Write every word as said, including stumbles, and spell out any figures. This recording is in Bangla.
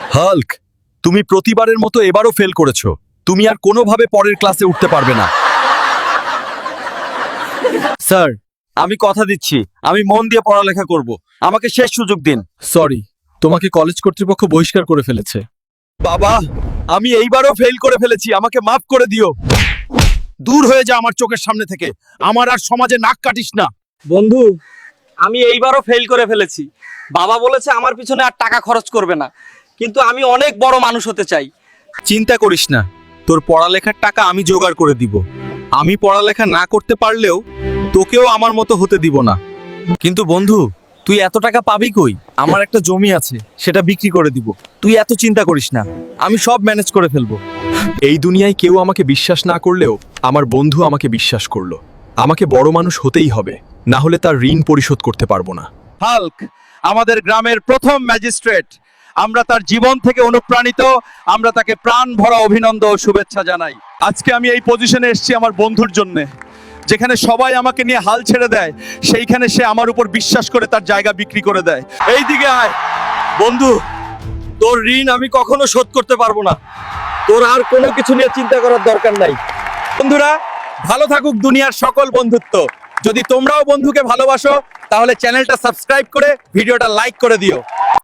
হাল্ক, তুমি প্রতিবারের মতো এবারও ফেল করেছো। তুমি আর কোনোভাবে পরের ক্লাসে উঠতে পারবে না। স্যার, আমি কথা দিচ্ছি আমি মন দিয়ে পড়ালেখা করব। আমাকে শেষ সুযোগ দিন। সরি, তোমাকে কলেজ কর্তৃপক্ষ বহিষ্কার করে ফেলেছে। বাবা, আমি এইবারও ফেল করে ফেলেছি, আমাকে মাফ করে দিও। দূর হয়ে যা আমার চোখের সামনে থেকে। আমার আর সমাজে নাক কাটিস না। বন্ধু, আমি এইবারও ফেল করে ফেলেছি। বাবা বলেছে আমার পিছনে আর টাকা খরচ করবে না, কিন্তু আমি অনেক বড় মানুষ হতে চাই। চিন্তা করিস না, তোর পড়ালেখার টাকা আমি জোগাড় করে দিব। আমি পড়ালেখা না করতে পারলেও তোকেও আমার মতো হতে দিব না। কিন্তু বন্ধু, তুই এত টাকা পাবি কই? আমার একটা জমি আছে, সেটা বিক্রি করে দিব। তুই এত চিন্তা করিস না, আমি সব ম্যানেজ করে ফেলবো। এই দুনিয়ায় কেউ আমাকে বিশ্বাস না করলেও আমার বন্ধু আমাকে বিশ্বাস করলো। আমাকে বড় মানুষ হতেই হবে, না হলে তার ঋণ পরিশোধ করতে পারবো না। হাল্ক আমাদের গ্রামের প্রথম ম্যাজিস্ট্রেট। আমরা তার জীবন থেকে অনুপ্রাণিত। আমরা তাকে প্রাণ ভরা অভিনন্দন ও শুভেচ্ছা জানাই। আজকে আমি এই পজিশনে এসেছি আমার বন্ধুর জন্য। যেখানে সবাই আমাকে নিয়ে হাল ছেড়ে দেয়, সেইখানে সে আমার উপর বিশ্বাস করে তার জায়গা বিক্রি করে দেয়। এই দিকে আয় বন্ধু, তোর ঋণ আমি কখনো শোধ করতে পারবো না। তোর আর কোনো কিছু নিয়ে চিন্তা করার দরকার নাই। বন্ধুরা, ভালো থাকুক দুনিয়ার সকল বন্ধুত্ব। যদি তোমরাও বন্ধুকে ভালোবাসো তাহলে চ্যানেলটা সাবস্ক্রাইব করে ভিডিওটা লাইক করে দিও।